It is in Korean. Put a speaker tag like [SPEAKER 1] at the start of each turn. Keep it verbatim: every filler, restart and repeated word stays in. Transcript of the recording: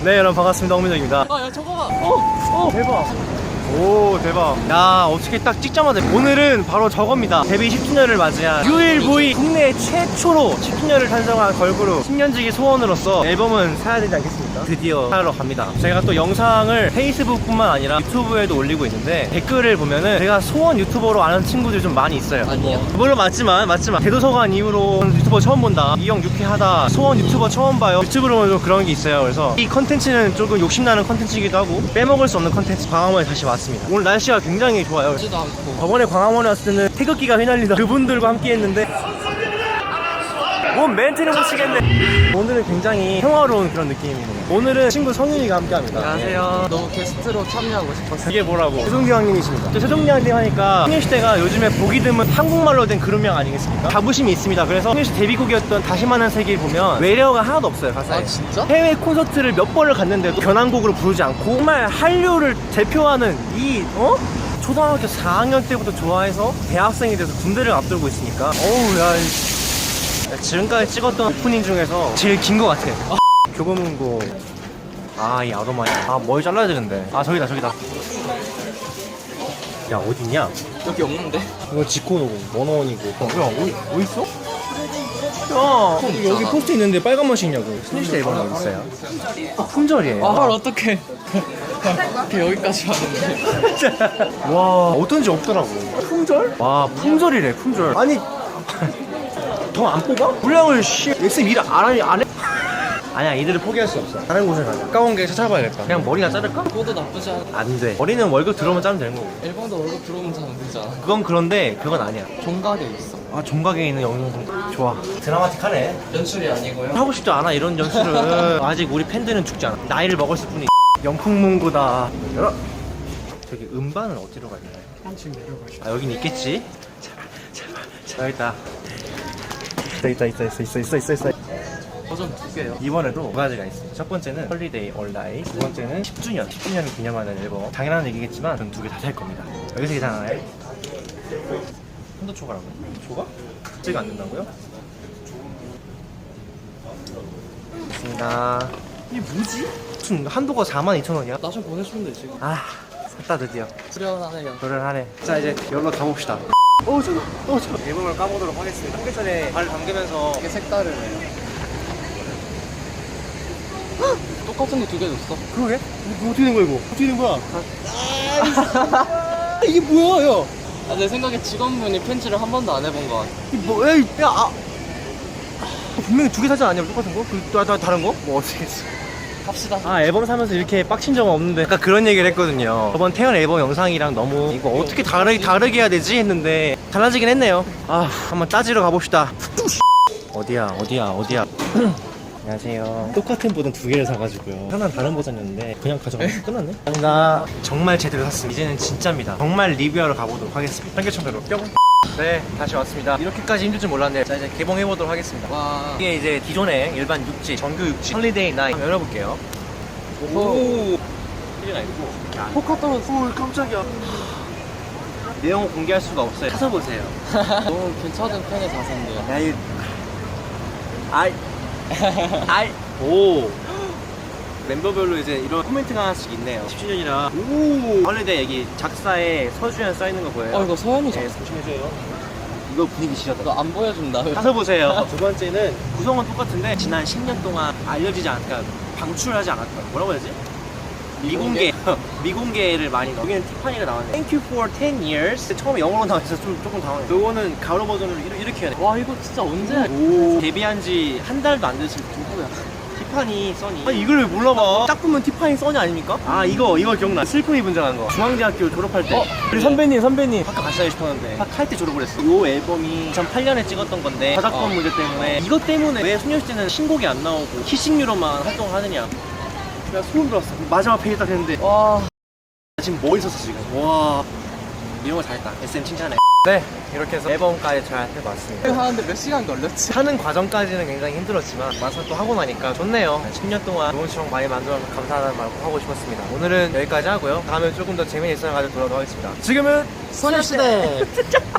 [SPEAKER 1] 네 여러분 반갑습니다. 홍민정입니다.
[SPEAKER 2] 아, 야, 저거 봐.
[SPEAKER 1] 어, 어, 대박. 오 대박. 야 어떻게 딱 찍자마자 오늘은 바로 저겁니다. 데뷔 십 주년을 맞이한 유일무이 국내 최초로 십 주년을 탄생한 걸그룹 십 년지기 소원으로서 앨범은 사야 되지 않겠습니까? 드디어 사러 갑니다. 제가 또 영상을 페이스북뿐만 아니라 유튜브에도 올리고 있는데 댓글을 보면은 제가 소원 유튜버로 아는 친구들이 좀 많이 있어요.
[SPEAKER 2] 아니요.
[SPEAKER 1] 물론 맞지만 맞지만 대도서관 이후로 유튜버 처음 본다, 이형 유쾌하다, 소원 유튜버 처음 봐요, 유튜브로 보면 좀 그런 게 있어요. 그래서 이 컨텐츠는 조금 욕심나는 컨텐츠이기도 하고 빼먹을 수 없는 컨텐츠 광화문에 다시 왔습니다. 오늘 날씨가 굉장히 좋아요.
[SPEAKER 2] 지도 않고.
[SPEAKER 1] 저번에 광화문에 왔을 때는 태극기가 휘날리다 그분들과 함께 했는데 뭔 멘트를 못 치겠네. 오늘은 굉장히 평화로운 그런 느낌이네요. 오늘은 친구 성윤이가 함께 합니다.
[SPEAKER 2] 안녕하세요. 너무 게스트로 참여하고 싶었어요.
[SPEAKER 1] 이게 뭐라고? 최종기 형님이십니다. 최종기 형님 하니까 소녀시대가 요즘에 보기 드문 한국말로 된 그룹명 아니겠습니까? 자부심이 있습니다. 그래서 소녀시대 데뷔곡이었던 다시 만난 세계를 보면 외래어가 하나도 없어요, 가사에.
[SPEAKER 2] 아, 진짜?
[SPEAKER 1] 해외 콘서트를 몇 번을 갔는데도 변환곡으로 부르지 않고 정말 한류를 대표하는 이 어? 초등학교 사 학년 때부터 좋아해서 대학생이 돼서 군대를 앞두고 있으니까 어우 야, 지금까지 찍었던 오프닝 중에서 제일 긴 것 같아. 아, 교보문고. 아, 이 아로마야. 아, 머리 잘라야 되는데. 아, 저기다, 저기다. 야, 어딨냐?
[SPEAKER 2] 여기 없는데?
[SPEAKER 1] 이거 지코노고, 원어원이고. 어, 야, 어디, 어딨어? 야,
[SPEAKER 2] 폰
[SPEAKER 1] 여기
[SPEAKER 2] 있잖아.
[SPEAKER 1] 포스트 있는데 빨간 맛이 있냐고. 스니시대 앨범 어디 있어요? 아, 품절이에요.
[SPEAKER 2] 아, 헐, 어떡해. 이렇게 여기까지 왔는데.
[SPEAKER 1] 와, 어떤지 없더라고. 품절? 와, 품절이래, 품절. 아니, 더 안 뽑아? 분량을 씨, 엑스 일 안 하니, 안 해? 아니야, 이들을 포기할 수 없어. 다른 곳에 가자. 가까운 게 찾아봐야겠다. 그냥 머리나 자를까?
[SPEAKER 2] 그것도 나쁘지 않아.
[SPEAKER 1] 안 돼. 머리는 월급 들어오면 자르면 되는 거고.
[SPEAKER 2] 일본도 월급 들어오면 자면 되잖아.
[SPEAKER 1] 그건 그런데, 그건 아니야.
[SPEAKER 2] 종각에 있어.
[SPEAKER 1] 아, 종각에 있는 영상. 좋아. 드라마틱하네.
[SPEAKER 2] 연출이 아니고요.
[SPEAKER 1] 하고 싶지 않아, 이런 연출은. 아직 우리 팬들은 죽지 않아. 나이를 먹었을 뿐이. 영풍문고다. 열어. 저기 음반은 어디로 가야 되나요?
[SPEAKER 2] 한층 내려가시죠.
[SPEAKER 1] 아, 여긴 있겠지? 제발, 제발, 제발. 여기 있다. 있다, 있다, 있어, 있어, 있어, 있어, 있어.
[SPEAKER 2] 버전 두 개요.
[SPEAKER 1] 이번에도 두 가지가 있어요. 첫 번째는 헐리데이 얼라이, 두 번째는 십 주년, 십 주년을 기념하는 앨범. 당연한 얘기겠지만 저는 두 개 다 살 겁니다. 여기서 계산하나요? 한도 초과라고요? 초과? 찍안 된다고요? 좋습니다. 이게 뭐지? 무슨 한도가 사만 이천 원이야?
[SPEAKER 2] 나 좀 보내주면 되지.
[SPEAKER 1] 아, 샀다 드디어.
[SPEAKER 2] 수련하네요.
[SPEAKER 1] 도련하네. 자, 이제 여기로 가봅시다. 어, 저, 어, 저. 앨범을 까보도록 하겠습니다. 삼겹살에 발을 담그면서.
[SPEAKER 2] 이게 색다르네요. 똑같은 거 두 개 줬어.
[SPEAKER 1] 그러게? 이거 어떻게 된 거야, 이거? 어떻게 된 거야? 아, 이게 뭐야, 야?
[SPEAKER 2] 아, 내 생각에 직원분이 펜치를 한 번도 안 해본 것 같아.
[SPEAKER 1] 이 뭐, 야, 이- 야, 아. 분명히 두 개 사지 않았냐, 똑같은 거? 그, 다, 다, 다른 거? 뭐, 어떻게 했어?
[SPEAKER 2] 갑시다.
[SPEAKER 1] 아, 앨범 사면서 이렇게 빡친 적은 없는데 아까 그런 얘기를 했거든요. 저번 태연 앨범 영상이랑 너무 이거 어떻게 다르, 다르게 해야 되지? 했는데 달라지긴 했네요. 아, 한번 따지러 가봅시다. 어디야, 어디야, 어디야. 안녕하세요. 똑같은 버전 두 개를 사가지고요. 하나는 다른 버전이었는데 그냥 가져가서 끝났네. 감사합니다. 정말 제대로 샀습니다. 이제는 진짜입니다. 정말 리뷰하러 가보도록 하겠습니다. 청계천대로 뿅. 네, 다시 왔습니다. 이렇게까지 힘들 줄 몰랐네요. 자, 이제 개봉해보도록 하겠습니다.
[SPEAKER 2] 와.
[SPEAKER 1] 이게 이제 기존의 일반 육지, 정규 육지 헐리데이 나잇 한번 열어볼게요.
[SPEAKER 2] 오.
[SPEAKER 1] 필요가 있고.
[SPEAKER 2] 포카 떨어졌어.
[SPEAKER 1] 오, 깜짝이야. 내용을 공개할 수가 없어요. 사서 보세요.
[SPEAKER 2] 너무 괜찮은 편의 자세인데요.
[SPEAKER 1] 야, 이 아이 아이 오 멤버별로 이제 이런 코멘트가 하나씩 있네요. 십 주년이라 오 헐리데이 얘기 작사에 서주현 써있는 거 보여요.
[SPEAKER 2] 어, 이거 서현이죠?
[SPEAKER 1] 네, 조심해줘요. 이거 분위기 지렸다.
[SPEAKER 2] 너 안 보여준다.
[SPEAKER 1] 가서 보세요. 두 번째는 구성은 똑같은데 지난 십 년 동안 알려지지 않았다, 방출하지 않았다, 뭐라고 해야지? 미공개 미공개를 많이 넣어. 여기는 티파니가 나왔네. Thank you for ten years. 처음에 영어로 나와서 좀 조금 당황해. 요거는 가로 버전으로 이렇게, 이렇게 해야 돼.
[SPEAKER 2] 와, 이거 진짜 언제?
[SPEAKER 1] 오. 데뷔한 지 한 달도 안 되신 누구야? 티파니 써니. 아니 이걸 왜 몰라봐? 딱 보면 티파니 써니 아닙니까? 아, 이거 이거 기억나. 슬픔이 분장한 거. 중앙대학교 졸업할 때.
[SPEAKER 2] 어?
[SPEAKER 1] 우리 선배님 선배님 학교 갔어야 싶었는데 할 때 졸업을 했어. 요 앨범이 이천팔 년에 찍었던 건데 저작권
[SPEAKER 2] 어.
[SPEAKER 1] 문제 때문에 이것 때문에 왜 소녀시대는 신곡이 안 나오고 키싱유로만 활동을 하느냐. 내가 소름 돋았어. 마지막 페이지 딱 했는데
[SPEAKER 2] 와.
[SPEAKER 1] 지금 뭐 있었어 지금. 와, 이런 거 잘했다. 에스엠 칭찬해. 네, 이렇게 해서 앨범까지 잘 해봤습니다.
[SPEAKER 2] 하는데 몇 시간 걸렸지?
[SPEAKER 1] 하는 과정까지는 굉장히 힘들었지만 막상 또 하고 나니까 좋네요. 십 년 동안 좋은 추억 많이 만들어서 감사하다는 말 꼭 하고 싶었습니다. 오늘은 여기까지 하고요. 다음에 조금 더 재미있는 일상을 가지고 돌아오도록 하겠습니다. 지금은
[SPEAKER 2] 소녀시대.